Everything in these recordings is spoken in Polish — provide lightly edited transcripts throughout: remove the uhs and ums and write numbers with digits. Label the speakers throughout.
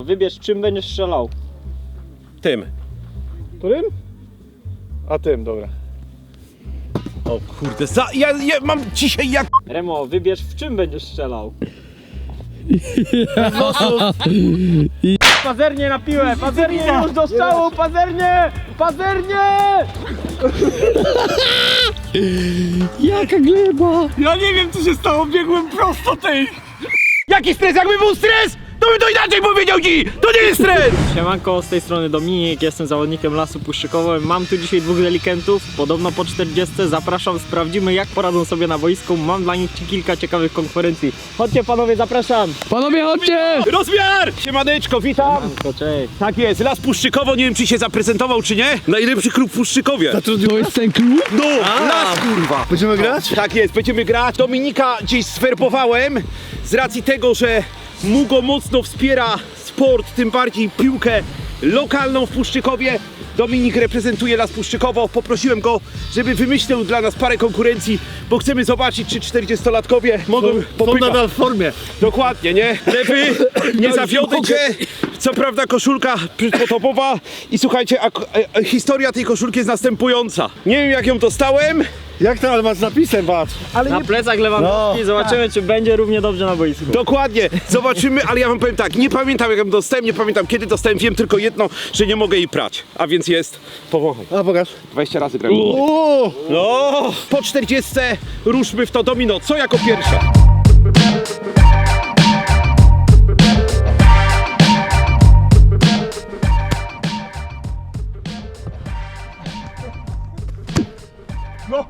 Speaker 1: wybierz, czym będziesz strzelał.
Speaker 2: Tym.
Speaker 3: Którym? A tym, dobra.
Speaker 2: O kurde, ja mam dzisiaj jak...
Speaker 1: Remo, wybierz, w czym będziesz strzelał. Pazernie na piłę, pazernie już do strzału, pazernie! Pazernie!
Speaker 4: Jaka gleba!
Speaker 2: Ja nie wiem, co się stało, biegłem prosto tej... Jaki stres? Jakby był stres, to bym to inaczej powiedział ci! To nie jest stres!
Speaker 1: Siemanko, z tej strony Dominik, jestem zawodnikiem Lasu Puszczykowego. Mam tu dzisiaj dwóch delikentów, podobno po 40. Zapraszam, sprawdzimy jak poradzą sobie na boisku. Mam dla nich kilka ciekawych konkurencji. Chodźcie panowie, zapraszam!
Speaker 4: Panowie, chodźcie!
Speaker 2: Rozmiar! Siemaneczko, witam!
Speaker 1: Siemanko, cześć.
Speaker 2: Tak jest, Las Puszczykowo, nie wiem czy się zaprezentował czy nie. Najlepszy klub w Puszczykowie.
Speaker 4: To jest ten klub?
Speaker 2: No, Las kurwa!
Speaker 3: Będziemy grać?
Speaker 2: Tak jest, będziemy grać. Dominika gdzieś zwerbowałem z racji tego, że Mugo mocno wspiera sport, tym bardziej piłkę lokalną w Puszczykowie. Dominik reprezentuje Las Puszczykowo. Poprosiłem go, żeby wymyślił dla nas parę konkurencji, bo chcemy zobaczyć, czy 40-latkowie mogą
Speaker 3: Są
Speaker 2: popychać.
Speaker 3: nadal w formie.
Speaker 2: Dokładnie, nie? Lewy, nie zawiodę cię. Co prawda koszulka przypotopowa i słuchajcie, historia tej koszulki jest następująca. Nie wiem jak ją dostałem,
Speaker 3: Jak to, ale masz z napisem, patrz.
Speaker 2: ale
Speaker 1: Na
Speaker 2: nie...
Speaker 1: plecach Lewandowski, zobaczymy czy będzie równie dobrze na boisku.
Speaker 2: Dokładnie, zobaczymy, ale ja wam powiem tak, nie pamiętam jak ją dostałem, nie pamiętam kiedy dostałem, wiem tylko jedno, że nie mogę jej prać, a więc jest, powąchaj,
Speaker 3: A pokaż.
Speaker 2: 20 razy grałem.
Speaker 3: O!
Speaker 2: No, po 40 ruszmy w to domino, co jako pierwsze?
Speaker 3: No!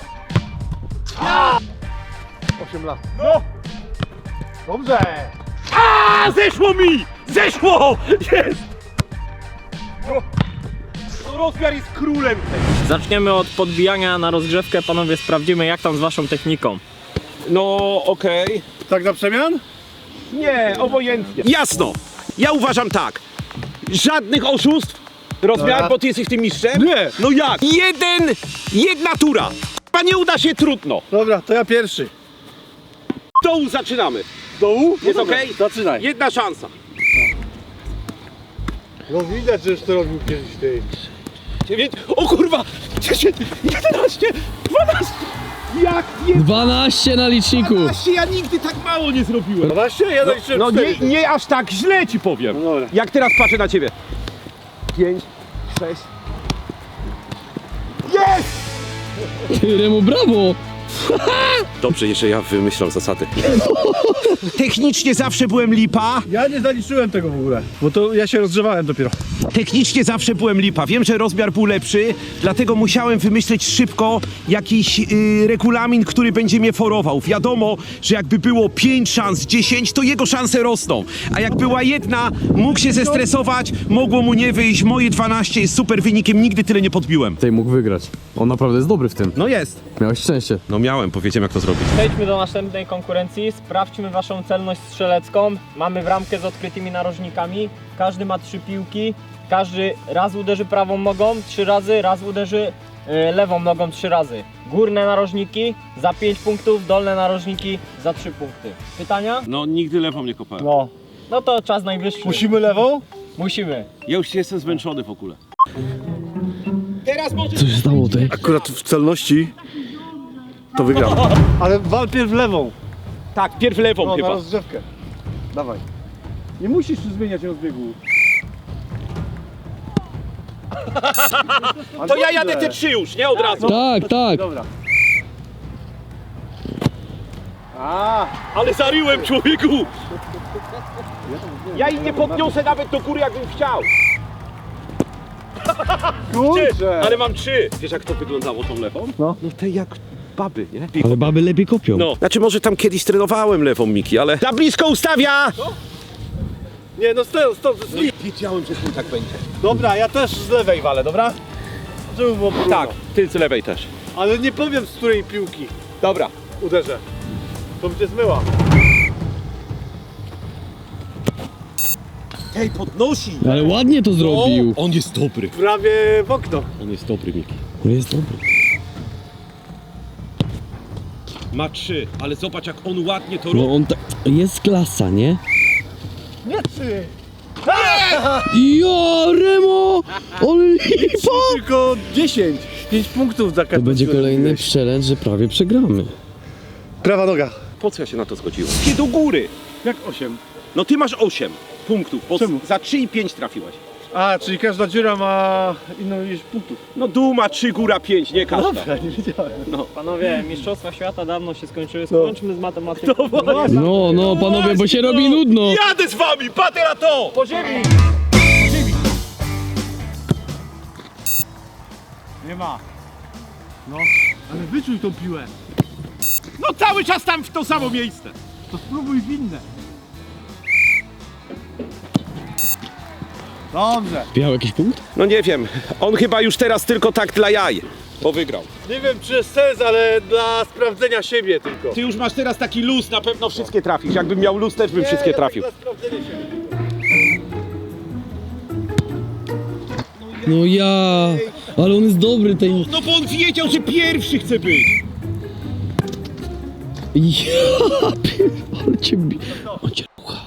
Speaker 3: 8 lat. No! Dobrze!
Speaker 2: A, zeszło mi! Zeszło! Jest! No, rozmiar jest królem.
Speaker 1: Zaczniemy od podbijania na rozgrzewkę, panowie, sprawdzimy jak tam z waszą techniką.
Speaker 2: No, okej.
Speaker 3: Tak na przemian?
Speaker 2: Nie, obojętnie. Jasno, ja uważam tak, żadnych oszustw, rozmiar,
Speaker 3: Dobra.
Speaker 2: bo ty jesteś tym mistrzem?
Speaker 3: Nie.
Speaker 2: No jak? Jedna tura. A nie uda się, trudno.
Speaker 3: Dobra, to ja pierwszy.
Speaker 2: Dołu zaczynamy.
Speaker 3: Dołu?
Speaker 2: Jest
Speaker 3: dobra,
Speaker 2: okej?
Speaker 3: Zaczynaj.
Speaker 2: Jedna szansa.
Speaker 3: No widać, że już to robił kiedyś ty.
Speaker 2: 9, o kurwa, 10, 11, 12. Jak nie
Speaker 4: 12 na liczniku.
Speaker 2: 12, ja nigdy tak mało nie zrobiłem.
Speaker 3: 12? Ja zaliczyłem
Speaker 2: No
Speaker 3: 4.
Speaker 2: nie aż tak źle ci powiem.
Speaker 3: No dobra.
Speaker 2: Jak teraz patrzę na ciebie. 5, 6. Jest!
Speaker 4: Ty, Remu, brawo!
Speaker 2: Dobrze, jeszcze ja wymyślam zasady. Technicznie zawsze byłem lipa.
Speaker 3: Ja nie zaliczyłem tego w ogóle, bo to ja się rozgrzewałem dopiero.
Speaker 2: Technicznie zawsze byłem lipa. Wiem, że rozmiar był lepszy, dlatego musiałem wymyśleć szybko jakiś regulamin, który będzie mnie forował. Wiadomo, że jakby było 5 szans, 10, to jego szanse rosną. A jak była jedna, mógł się zestresować, mogło mu nie wyjść. Moje 12 jest super wynikiem, nigdy tyle nie podbiłem.
Speaker 5: Tej mógł wygrać. On naprawdę jest dobry w tym.
Speaker 2: No jest.
Speaker 5: Miałeś szczęście.
Speaker 2: No miałem, powiedziałem jak to zrobić.
Speaker 1: Przejdźmy do następnej konkurencji, sprawdźmy waszą celność strzelecką. Mamy bramkę z odkrytymi narożnikami, każdy ma 3 piłki, każdy raz uderzy prawą nogą 3 razy, raz uderzy lewą nogą 3 razy. Górne narożniki za 5 punktów, dolne narożniki za 3 punkty. Pytania?
Speaker 2: No nigdy lewą nie kopałem.
Speaker 3: No.
Speaker 1: No to czas najwyższy.
Speaker 3: Musimy lewą?
Speaker 1: Musimy.
Speaker 2: Ja już jestem zmęczony w ogóle. Teraz może...
Speaker 4: Co się stało tej?
Speaker 3: Akurat w celności to wygram. Ale wal pierw lewą.
Speaker 2: Tak, pierw lewą
Speaker 3: No, na
Speaker 2: chyba.
Speaker 3: rozgrzewkę. Dawaj. Nie musisz tu zmieniać rozbiegu.
Speaker 2: To ja jadę te 3 już, nie od razu.
Speaker 4: Tak, tak.
Speaker 3: Dobra. A,
Speaker 2: Ale zaryłem, człowieku! Ja jej nie podniosę nawet do góry, jakbym chciał.
Speaker 3: kurczę.
Speaker 2: Ale mam 3. Wiesz, jak to wyglądało tą lewą?
Speaker 3: No.
Speaker 2: No te jak baby, nie?
Speaker 4: Ale baby lepiej kopią.
Speaker 2: No. Znaczy może tam kiedyś trenowałem lewą, Miki, ale... Za blisko ustawia!
Speaker 3: Nie, no stop.
Speaker 2: Wiedziałem, że tu tak będzie.
Speaker 3: Dobra, ja też z lewej walę, dobra? Żeby było porówno.
Speaker 2: Tak, ty z lewej też.
Speaker 3: Ale nie powiem z której piłki
Speaker 2: Dobra.
Speaker 3: uderzę. To by cię zmyła.
Speaker 2: Hej, podnosi!
Speaker 4: Ale ładnie to zrobił.
Speaker 2: On jest dobry.
Speaker 3: Prawie w okno.
Speaker 2: On jest dobry, Miki.
Speaker 4: On jest dobry.
Speaker 2: Ma 3, ale zobacz jak on ładnie to
Speaker 4: No
Speaker 2: robi.
Speaker 4: on tak... Jest klasa, nie?
Speaker 3: Nie 3.
Speaker 4: Ja, Remo! Ale lipa!
Speaker 3: Tylko 10. 5 punktów za
Speaker 4: To
Speaker 3: każdy.
Speaker 4: będzie kolejny challenge, że prawie przegramy.
Speaker 3: Prawa noga.
Speaker 2: Po co ja się na to zgodziłem? Ty do góry.
Speaker 3: Jak 8?
Speaker 2: No ty masz 8 punktów, bo
Speaker 3: Czemu?
Speaker 2: za 3 i 5 trafiłeś.
Speaker 3: A, czyli każda dziura ma inną ilość punktów.
Speaker 2: No dół ma 3, góra 5, nie każda.
Speaker 3: Dobra, nie wiedziałem.
Speaker 1: Panowie, mistrzostwa świata dawno się skończyły, skończmy z matematyką.
Speaker 4: No, panowie, bo się robi nudno.
Speaker 2: Jadę z wami, patrzę na to!
Speaker 1: Po ziemi!
Speaker 3: Nie ma. No, ale wyczuj tą piłę.
Speaker 2: No cały czas tam w to samo miejsce.
Speaker 3: To spróbuj w inne. Dobrze.
Speaker 4: Miał jakiś punkt?
Speaker 2: No nie wiem, on chyba już teraz tylko tak dla jaj, bo wygrał.
Speaker 3: Nie wiem czy jest sens, ale dla sprawdzenia siebie tylko.
Speaker 2: Ty już masz teraz taki luz, na pewno wszystkie trafisz. Jakbym miał luz, też bym wszystkie trafił.
Speaker 3: Dla sprawdzenia siebie.
Speaker 4: No ja, ale on jest dobry ten.
Speaker 2: No bo on wiedział, że pierwszy chce być.
Speaker 4: Ja, ale cię on cię rucha.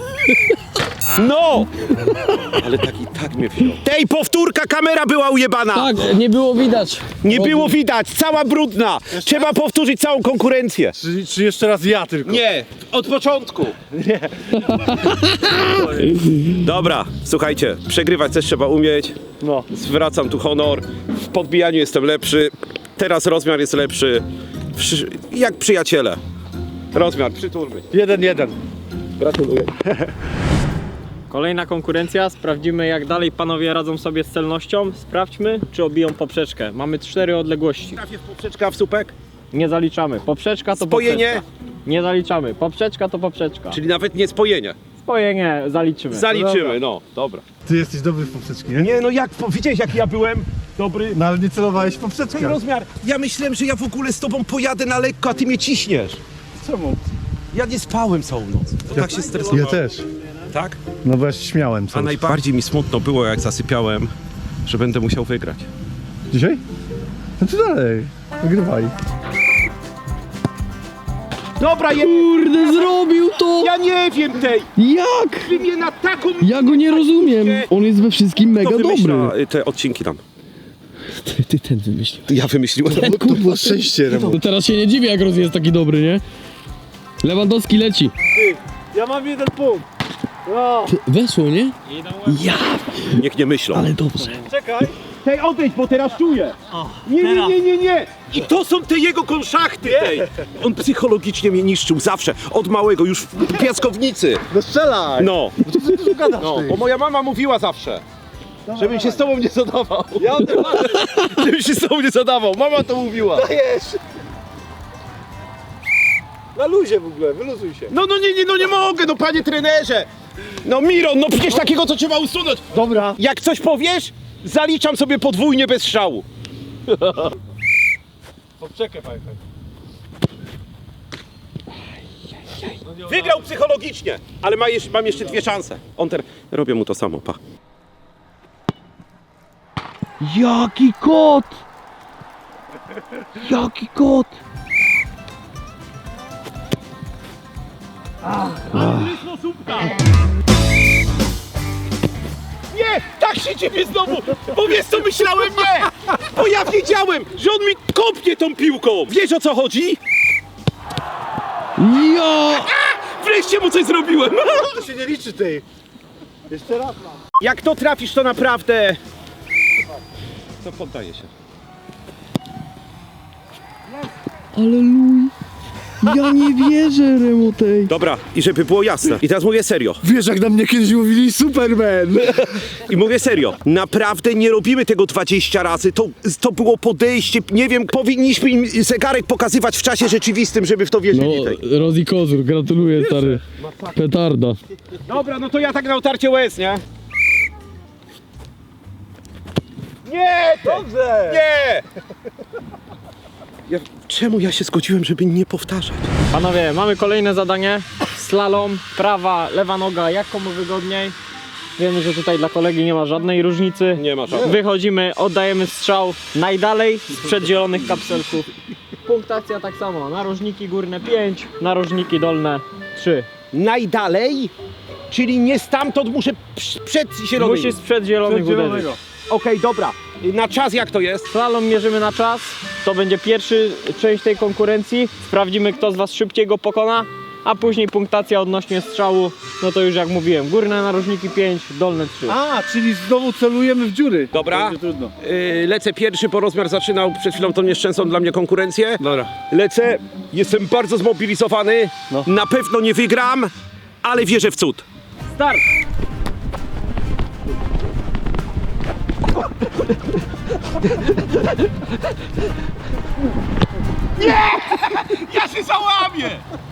Speaker 2: No! Ale tak mnie wziął. Tej powtórka, kamera była ujebana.
Speaker 4: Tak, nie było widać.
Speaker 2: Nie było widać, cała brudna. Trzeba powtórzyć całą konkurencję.
Speaker 3: Czy jeszcze raz ja tylko?
Speaker 2: Nie, od początku. Nie. Dobra, słuchajcie, przegrywać też trzeba umieć.
Speaker 3: No.
Speaker 2: Zwracam tu honor. W podbijaniu jestem lepszy. Teraz rozmiar jest lepszy. Jak przyjaciele. Rozmiar, przytulmy.
Speaker 3: 1-1.
Speaker 2: Gratuluję.
Speaker 1: Kolejna konkurencja, sprawdzimy jak dalej panowie radzą sobie z celnością. Sprawdźmy, czy obiją poprzeczkę. Mamy 4 odległości.
Speaker 2: Trafię w poprzeczka, w słupek?
Speaker 1: Nie zaliczamy. Poprzeczka to
Speaker 2: Spojenie?
Speaker 1: poprzeczka. Nie zaliczamy. Poprzeczka to poprzeczka.
Speaker 2: Czyli nawet nie spojenie.
Speaker 1: Spojenie zaliczymy.
Speaker 2: Zaliczymy, no. Dobra.
Speaker 3: Ty jesteś dobry w poprzeczki, nie?
Speaker 2: Nie, no jak, widziałeś jak ja byłem dobry?
Speaker 3: No ale nie celowałeś w
Speaker 2: Ten
Speaker 3: poprzeczkę.
Speaker 2: rozmiar. Ja myślałem, że ja w ogóle z tobą pojadę na lekko, a ty mnie ciśniesz.
Speaker 3: Czemu?
Speaker 2: Ja nie spałem całą noc. To tak się stresowałem.
Speaker 3: Ja też.
Speaker 2: Tak?
Speaker 3: No bo ja się śmiałem
Speaker 2: A
Speaker 3: cały czas.
Speaker 2: najbardziej mi smutno było, jak zasypiałem, że będę musiał wygrać.
Speaker 3: Dzisiaj? No to dalej. Wygrywaj.
Speaker 2: Dobra,
Speaker 4: Kurde, zrobił to!
Speaker 2: ja nie wiem tej.
Speaker 4: Jak?
Speaker 2: Ty mnie na taką...
Speaker 4: Ja go nie rozumiem. On jest we wszystkim mega
Speaker 2: Kto wymyśla
Speaker 4: dobry.
Speaker 2: te odcinki tam?
Speaker 4: Ty ten wymyślił.
Speaker 2: Ja wymyśliłem.
Speaker 3: To było szczęście, Remo.
Speaker 4: To teraz się nie dziwię, jak Roz jest taki dobry, nie? Lewandowski leci.
Speaker 3: Ja mam 1 punkt. No.
Speaker 4: Ty, weszło, nie? Ja,
Speaker 2: Niech nie myślą.
Speaker 4: ale dobrze.
Speaker 3: Czekaj.
Speaker 2: Tej odejdź, bo teraz czuję. Nie. I to są te jego konszachty tej. On psychologicznie mnie niszczył zawsze. Od małego, już w piaskownicy.
Speaker 3: No strzelaj.
Speaker 2: No.
Speaker 3: Co ty gadasz,
Speaker 2: No,
Speaker 3: ty?
Speaker 2: bo moja mama mówiła zawsze, żebym się z tobą nie zadawał.
Speaker 3: Ja o tym marzę.
Speaker 2: Żebym się z tobą nie zadawał. Mama to mówiła.
Speaker 3: Dajesz. Na luzie w ogóle, wyluzuj się.
Speaker 2: No nie mogę, no panie trenerze. No Miron, no przecież takiego co trzeba usunąć.
Speaker 3: Dobra.
Speaker 2: Jak coś powiesz, zaliczam sobie podwójnie bez strzału.
Speaker 3: Poprzeczkę pamiętaj.
Speaker 2: Wygrał psychologicznie, ale mam jeszcze 2 szanse. Robię mu to samo, pa.
Speaker 4: Jaki kot! Jaki kot!
Speaker 2: Nie, tak się ciebie znowu, bo wiesz co myślałem? Nie, bo ja wiedziałem, że on mi kopnie tą piłką. Wiesz o co chodzi?
Speaker 4: Ja!
Speaker 2: Wreszcie mu coś zrobiłem.
Speaker 3: To się nie liczy tej. Jeszcze raz mam.
Speaker 2: Jak to trafisz, to naprawdę... To poddaję się.
Speaker 4: Ale luj! Ja nie wierzę, Remo tej.
Speaker 2: Dobra, i żeby było jasne. I teraz mówię serio.
Speaker 3: Wiesz jak na mnie kiedyś mówili Superman.
Speaker 2: I mówię serio. Naprawdę nie robimy tego 20 razy. To było podejście. Nie wiem, powinniśmy im zegarek pokazywać w czasie rzeczywistym, żeby w to
Speaker 4: No,
Speaker 2: wierzyli. Tej.
Speaker 4: Rozi Kozur, gratuluję, stary. Petarda.
Speaker 2: Dobra, no to ja tak na utarcie łez, nie? Nie!
Speaker 3: Dobrze.
Speaker 2: Nie! Czemu ja się zgodziłem, żeby nie powtarzać?
Speaker 1: Panowie, mamy kolejne zadanie. Slalom, prawa, lewa noga, jak komu wygodniej. Wiemy, że tutaj dla kolegi nie ma żadnej różnicy.
Speaker 2: Nie ma żadnej.
Speaker 1: Wychodzimy, oddajemy strzał najdalej sprzed zielonych kapselków. Punktacja tak samo. Narożniki górne 5, narożniki dolne 3.
Speaker 2: Najdalej? Czyli nie stamtąd muszę przed zielonymi.
Speaker 1: Musisz sprzed zielonych uderzyć.
Speaker 2: Okej, dobra. Na czas jak to jest?
Speaker 1: Slalom mierzymy na czas. To będzie pierwszy część tej konkurencji. Sprawdzimy, kto z was szybciej go pokona. A później punktacja odnośnie strzału. No to już jak mówiłem, górne narożniki 5, dolne 3.
Speaker 3: A, czyli znowu celujemy w dziury.
Speaker 2: Dobra.
Speaker 3: Będzie trudno.
Speaker 2: Lecę pierwszy, bo rozmiar zaczynał przed chwilą tą nieszczęsną dla mnie konkurencję.
Speaker 3: Dobra.
Speaker 2: Lecę, jestem bardzo zmobilizowany.
Speaker 3: No.
Speaker 2: Na pewno nie wygram, ale wierzę w cud.
Speaker 1: Start!
Speaker 2: Ja się załamię!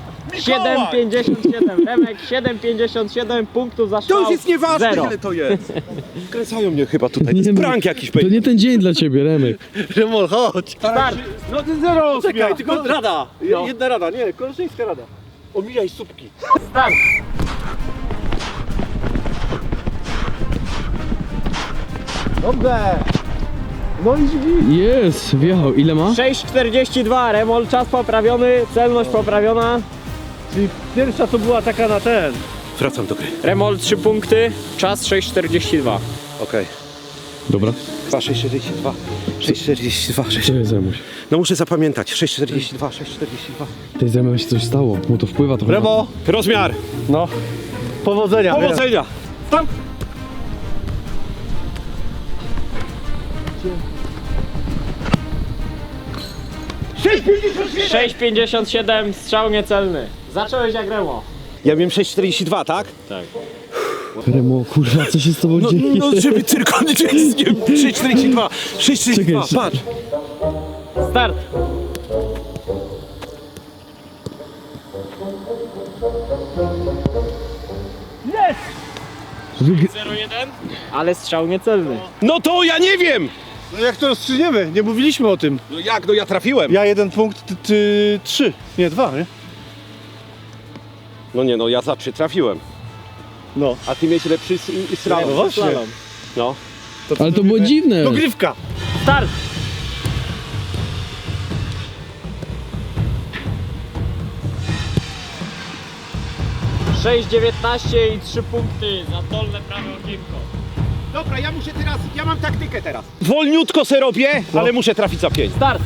Speaker 1: 7,57. Remek 7,57 punktów za
Speaker 2: To
Speaker 1: strzał.
Speaker 2: już jest nieważne,
Speaker 1: 0.
Speaker 2: ile to jest. Kręcają mnie chyba tutaj. To jest
Speaker 4: Nie,
Speaker 2: prank jakiś
Speaker 4: To
Speaker 2: pewnie.
Speaker 4: nie ten dzień dla ciebie, Remek.
Speaker 3: Remol, chodź.
Speaker 1: Start!
Speaker 3: No ty zero.
Speaker 2: Czekaj, tylko rada.
Speaker 1: No.
Speaker 2: Jedna rada, nie, koleżeńska rada. Omijaj słupki.
Speaker 1: Start!
Speaker 3: Dobrze. No i drzwi.
Speaker 4: Jest, wjechał. Ile ma?
Speaker 1: 6,42. Remol, czas poprawiony, celność poprawiona.
Speaker 3: Czyli pierwsza to była taka na ten.
Speaker 2: Wracam do gry.
Speaker 1: Remol 3 punkty, czas 6,42.
Speaker 2: Okej.
Speaker 4: Dobra.
Speaker 2: 6,42. 6,42.
Speaker 4: Co jest, Remuś?
Speaker 2: No muszę zapamiętać. 6,42, 6,42.
Speaker 4: Tej z Remem się coś stało. Mu to wpływa trochę.
Speaker 3: Remo.
Speaker 2: Rozmiar.
Speaker 3: No. Powodzenia.
Speaker 2: Powodzenia. Tam.
Speaker 1: Na 6,57, strzał niecelny. Zacząłeś jak Remo.
Speaker 2: Ja wiem 6,42, tak?
Speaker 1: Tak.
Speaker 4: Remo, kurwa, co się z tobą dzieje?
Speaker 2: No żeby tylko nie 6,42. 6,42,
Speaker 4: Czekaj,
Speaker 2: patrz.
Speaker 1: Start!
Speaker 4: Wyg-
Speaker 1: 0,1, ale strzał niecelny.
Speaker 2: No to ja nie wiem.
Speaker 3: No jak to rozstrzygniemy? Nie mówiliśmy o tym.
Speaker 2: No jak, no ja trafiłem.
Speaker 3: Ja 1 punkt, ty 3. Nie, 2, nie?
Speaker 2: No nie, no ja za 3 trafiłem.
Speaker 3: No.
Speaker 2: A ty miałeś lepszy slalom.
Speaker 3: No właśnie.
Speaker 1: Slalom.
Speaker 2: No.
Speaker 4: Ale to było dziwne.
Speaker 3: Dogrywka.
Speaker 1: Start! ...6,19 i 3 punkty za dolne prawe okienko.
Speaker 2: Dobra, ja muszę teraz, ja mam taktykę teraz. Wolniutko se robię, ale muszę trafić za 5.
Speaker 1: Start!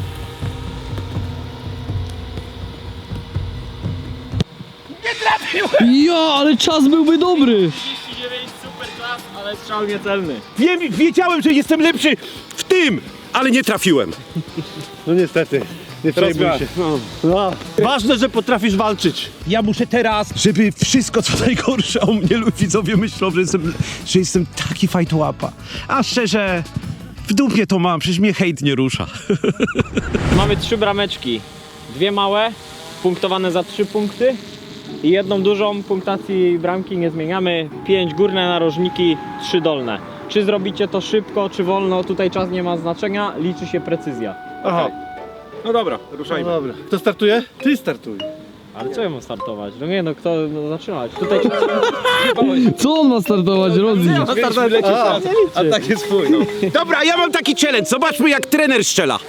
Speaker 4: Ja, ale czas byłby dobry.
Speaker 1: 39, super czas, ale strzał niecelny.
Speaker 2: Wiedziałem, że jestem lepszy w tym, ale nie trafiłem.
Speaker 3: No niestety. Nie przejmuj
Speaker 2: Rozmiar.
Speaker 3: się. No. Ważne, że potrafisz walczyć.
Speaker 2: Ja muszę teraz, żeby wszystko co najgorsze o mnie widzowie myślą, że jestem taki fajtłapa. A szczerze, w dupie to mam, przecież mnie hejt nie rusza.
Speaker 1: Mamy 3 brameczki. 2 małe, punktowane za 3 punkty. I jedną dużą, punktacji bramki nie zmieniamy. 5 górne narożniki, 3 dolne. Czy zrobicie to szybko, czy wolno, tutaj czas nie ma znaczenia, liczy się precyzja.
Speaker 3: Aha.
Speaker 2: No dobra,
Speaker 3: No
Speaker 2: ruszajmy.
Speaker 3: dobra. Kto startuje? Ty startuj.
Speaker 1: Ale co ja mam startować? No nie no, kto zaczynać? Tutaj czas
Speaker 4: Co on ma startować, Rodzi?
Speaker 2: A tak jest twój, no. Dobra, ja mam taki challenge, zobaczmy jak trener strzela.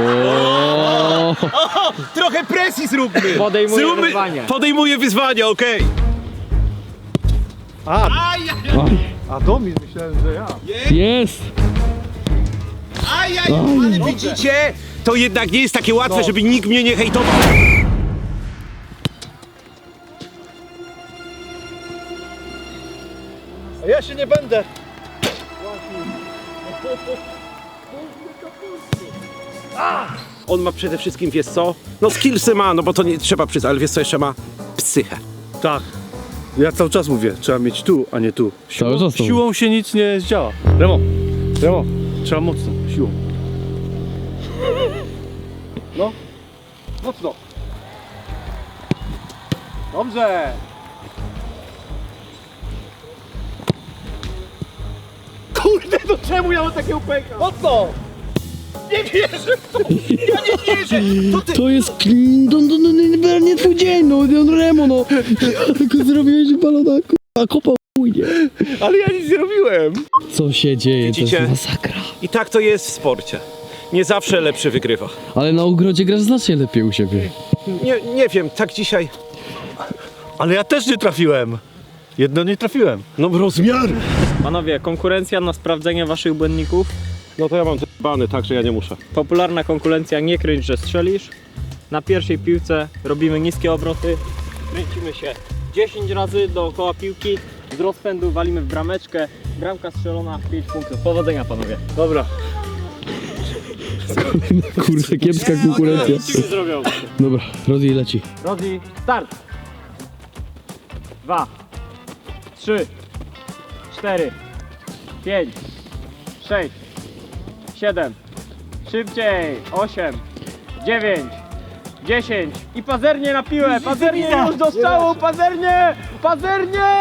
Speaker 2: Trochę presji zróbmy.
Speaker 1: podejmuje wyzwanie.
Speaker 2: Podejmuję wyzwanie, okej.
Speaker 3: A Domin myślałem, że ja.
Speaker 4: Jest.
Speaker 2: Ale widzicie, to jednak nie jest takie łatwe, żeby nikt mnie nie hejtował.
Speaker 3: A ja się nie będę.
Speaker 2: On ma przede wszystkim, wiesz co? No skillsy ma, no bo to nie trzeba przyznać, ale wiesz co jeszcze ma? Psychę.
Speaker 3: Tak. Ja cały czas mówię, trzeba mieć tu, a nie tu.
Speaker 4: Cały czas to
Speaker 3: Siłą się nic nie zdziała. Remo, trzeba mocno, siłą. No, mocno. Dobrze. Kurde, to czemu ja mam takie upęka? Mocno! Nie wierzę w to! Ja nie wierzę! To ty...
Speaker 4: To jest... nie twój dzień, no Remo, no. Tylko zrobiłeś balona, a kopał nie.
Speaker 3: Ale ja nic nie robiłem.
Speaker 4: Co się dzieje, to
Speaker 2: Widzicie?
Speaker 4: jest masakra.
Speaker 2: I tak to jest w sporcie. Nie zawsze lepszy wygrywa.
Speaker 4: Ale na ogrodzie grasz znacznie lepiej u siebie.
Speaker 2: Nie wiem, tak dzisiaj.
Speaker 3: Ale ja też nie trafiłem. Jedno nie trafiłem.
Speaker 2: No rozmiar!
Speaker 1: Panowie, konkurencja na sprawdzenie waszych błędników.
Speaker 2: No to ja mam bany, tak, że ja nie muszę.
Speaker 1: Popularna konkurencja nie kręć, że strzelisz. Na pierwszej piłce robimy niskie obroty. Kręcimy się 10 razy dookoła piłki. Z rozpędu walimy w brameczkę. Bramka strzelona, 5 punktów. Powodzenia, panowie.
Speaker 3: Dobra.
Speaker 4: Kurczę, kiepska konkurencja.
Speaker 1: Ci zrobią.
Speaker 4: Dobra, Rozi leci.
Speaker 1: Rozi, start! 2, 3, 4, 5, 6, 7, szybciej, 8, 9, 10 i pazernie na piłę, pazernie już do strzału, pazernie, pazernie!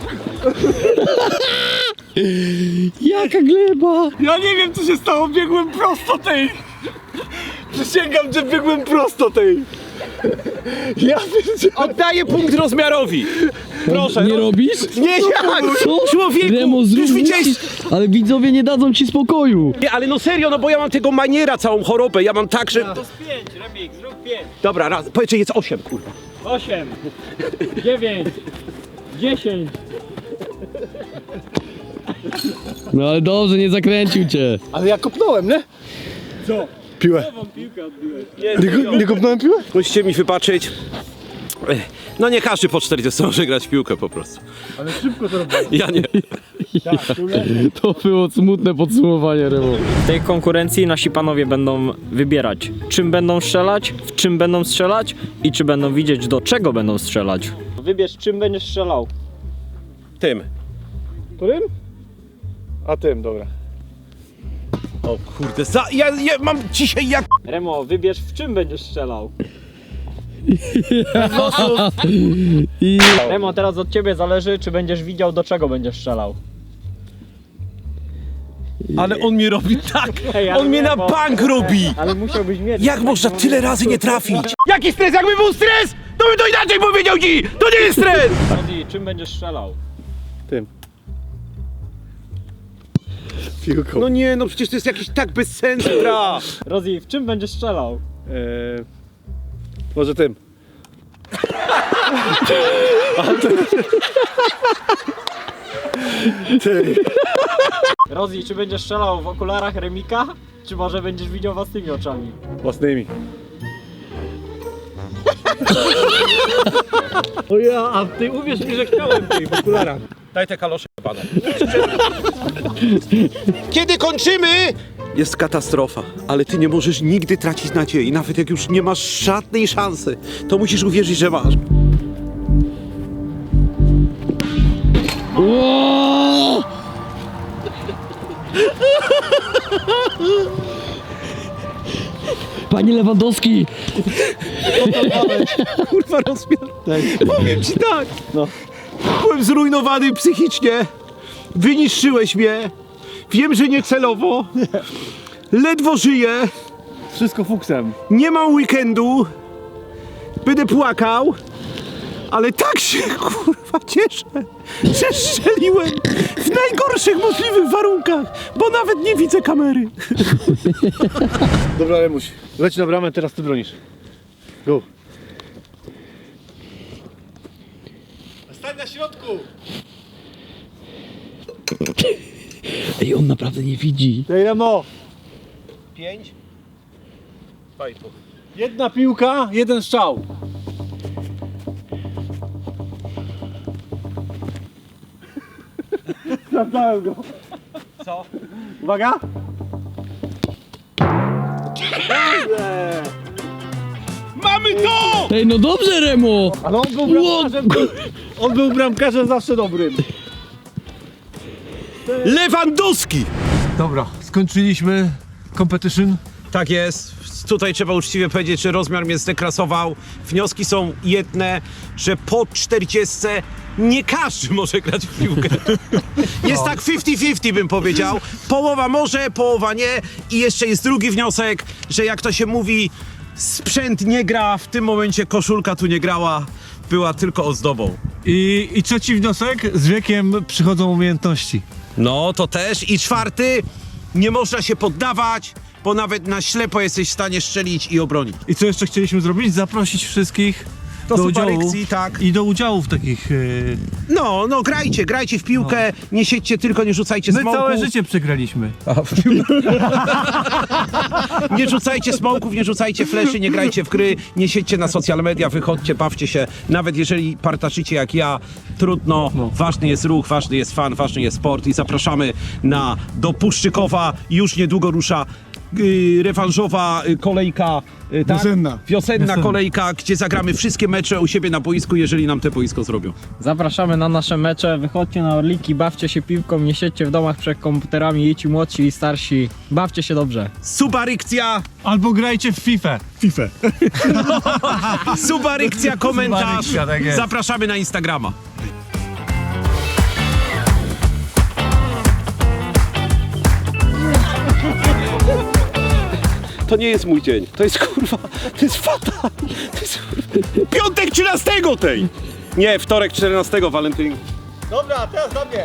Speaker 4: Jaka gleba!
Speaker 3: Ja nie wiem co się stało, biegłem prosto tej. Przysięgam, że biegłem prosto tej. Ja pierdzielę.
Speaker 2: Oddaję punkt rozmiarowi! Proszę.
Speaker 4: Nie robisz?
Speaker 2: Nie, jak?
Speaker 4: Co?
Speaker 2: Człowieku!
Speaker 4: Remo, zrób
Speaker 2: Już widziałeś...
Speaker 4: Ale widzowie nie dadzą ci spokoju.
Speaker 2: Nie, ale no serio, no bo ja mam tego maniera, całą chorobę, ja mam tak, że...
Speaker 1: To z 5, Remik, zrób 5,
Speaker 2: Dobra, raz, powiedz, że jest 8, kurwa.
Speaker 1: 8, 9, 10.
Speaker 4: No ale dobrze, nie zakręcił cię.
Speaker 3: Ale ja kopnąłem, nie?
Speaker 1: Co?
Speaker 3: Piłę.
Speaker 1: Nową piłkę odbiłeś.
Speaker 3: Nie kopnąłem piłę?
Speaker 2: Musicie mi wybaczyć. No nie każdy po 40 może grać w piłkę po prostu.
Speaker 3: Ale szybko to robiłem.
Speaker 2: Ja nie.
Speaker 4: To było smutne podsumowanie, Remo.
Speaker 1: W tej konkurencji nasi panowie będą wybierać, czym będą strzelać, w czym będą strzelać i czy będą widzieć, do czego będą strzelać. Wybierz, czym będziesz strzelał.
Speaker 2: Tym.
Speaker 3: Którym? A tym, dobra.
Speaker 2: O kurde, ja mam dzisiaj jak...
Speaker 1: Remo, wybierz, w czym będziesz strzelał.
Speaker 4: I...
Speaker 1: Remo, teraz od ciebie zależy, czy będziesz widział, do czego będziesz strzelał.
Speaker 2: Ale on mnie robi tak!
Speaker 1: Ej, ale
Speaker 2: On mnie
Speaker 1: nie,
Speaker 2: na
Speaker 1: bo-
Speaker 2: bank robi!
Speaker 1: Ale musiałbyś mieć.
Speaker 2: Jak można tyle razy nie trafić? Jaki stres? Jakby był stres, to bym to inaczej powiedział ci! To nie jest stres!
Speaker 1: Rozi, czym będziesz strzelał?
Speaker 3: Tym. Piłką.
Speaker 2: No nie, no przecież to jest jakiś tak bez sensu gra!
Speaker 1: Rozi, w czym będziesz strzelał?
Speaker 3: Może tym. Ty.
Speaker 1: Rozi, czy będziesz strzelał w okularach Remika? Czy może będziesz widział własnymi oczami?
Speaker 3: Własnymi. O ja, a ty uwierz mi, że chciałem tej w okularach.
Speaker 2: Daj te kalosze, pana. Kiedy kończymy? Jest katastrofa, ale ty nie możesz nigdy tracić nadziei. Nawet jak już nie masz żadnej szansy, to musisz uwierzyć, że masz.
Speaker 4: Ło! Panie Lewandowski!
Speaker 2: Kurwa rozmiar. Powiem ci tak. No. Byłem zrujnowany psychicznie. Wyniszczyłeś mnie. Wiem, że nie celowo. Ledwo żyję.
Speaker 3: Wszystko fuksem.
Speaker 2: Nie mam weekendu. Będę płakał. Ale tak się kurwa cieszę, że strzeliłem w najgorszych możliwych warunkach, bo nawet nie widzę kamery.
Speaker 3: Dobra, Remuś. Leć na bramę, teraz ty bronisz. Go. Stań na środku!
Speaker 4: Ej, on naprawdę nie widzi.
Speaker 3: Tej Remo!
Speaker 2: 5, 2,5.
Speaker 3: Jedna piłka, jeden strzał. Sprawdzałem go.
Speaker 2: Co?
Speaker 3: Uwaga!
Speaker 2: Mamy to!
Speaker 4: Ej, no dobrze, Remo!
Speaker 3: Ale on był bramkarzem zawsze dobrym.
Speaker 2: Lewandowski!
Speaker 3: Dobra, skończyliśmy competition.
Speaker 2: Tak jest. Tutaj trzeba uczciwie powiedzieć, że rozmiar mnie zdeklasował. Wnioski są jedne, że po 40 nie każdy może grać w piłkę. Jest tak 50-50 bym powiedział. Połowa może, połowa nie. I jeszcze jest drugi wniosek, że jak to się mówi, sprzęt nie gra, w tym momencie koszulka tu nie grała, była tylko ozdobą.
Speaker 3: I trzeci wniosek, z wiekiem przychodzą umiejętności.
Speaker 2: No to też. I czwarty, nie można się poddawać, bo nawet na ślepo jesteś w stanie strzelić i obronić.
Speaker 3: I co jeszcze chcieliśmy zrobić? Zaprosić wszystkich
Speaker 2: do
Speaker 4: do udziału.
Speaker 2: Superekcji, tak.
Speaker 4: I do udziału w takich...
Speaker 2: No, grajcie w piłkę, nie siedźcie tylko, nie rzucajcie
Speaker 4: My
Speaker 2: smoków.
Speaker 4: całe życie przegraliśmy.
Speaker 2: Nie rzucajcie smoków, nie rzucajcie fleszy, nie grajcie w gry, nie siedźcie na social media, wychodźcie, bawcie się. Nawet jeżeli partaczycie jak ja, trudno. Ważny jest ruch, ważny jest fan, ważny jest sport i zapraszamy do Puszczykowa. Już niedługo rusza rewanżowa kolejka, tak? Wiosenna kolejka, gdzie zagramy wszystkie mecze u siebie na boisku, jeżeli nam te boisko zrobią.
Speaker 1: Zapraszamy na nasze mecze, wychodźcie na Orliki, bawcie się piłką, nie siedźcie w domach przed komputerami, i ci młodsi i starsi, bawcie się dobrze.
Speaker 2: Subarykcja,
Speaker 4: Albo grajcie w FIFA.
Speaker 2: subarykcja, komentarz.
Speaker 4: Subarykcja, tak jest.
Speaker 2: Zapraszamy na Instagrama. To nie jest mój dzień. To jest kurwa, to jest fatal. To jest kurwa. Piątek 13 tej! Nie, wtorek 14 walentynki.
Speaker 3: Dobra, teraz do mnie.